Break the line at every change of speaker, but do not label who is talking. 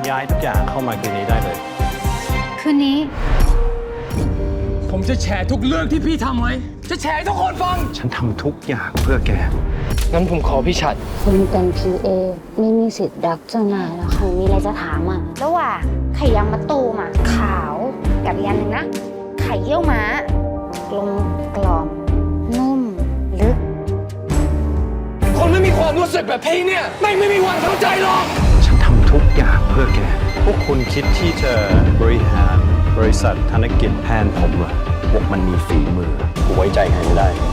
ย้ายทุกอย่างเข้ามาคืนนี้ได้เลย
คืนนี้
ผมจะแฉทุกเรื่องที่พี่ทำไว้ จะแฉให้ทุกคนฟัง
ฉันทำทุกอย่างเพื่อแก
งั้นผมขอพี่ฉัด
คุณเป็น PA ไม่มีสิทธิ์รักเจ้านายแล้วค่ะมีอะไรจะถามอ่ะ
ระหว่างไข่ยางมะตูมอ่ะขาวกับอีกอันหนึ่งนะ ไข่เยี่ยวม้ากลมกล่อมนุ่มลึก
คนไม่มีความรู้สึกแบบพี่เนี่ยไม่มีวันเข้าใจหรอก
ฉันทำทุกอย่างเพื่อแก พวกคุณคิดที่จะบริหารบริษัทธนกิจแทนผมเหรอพวกมันมีฝีมือกูไว้ใจใครไม่ได้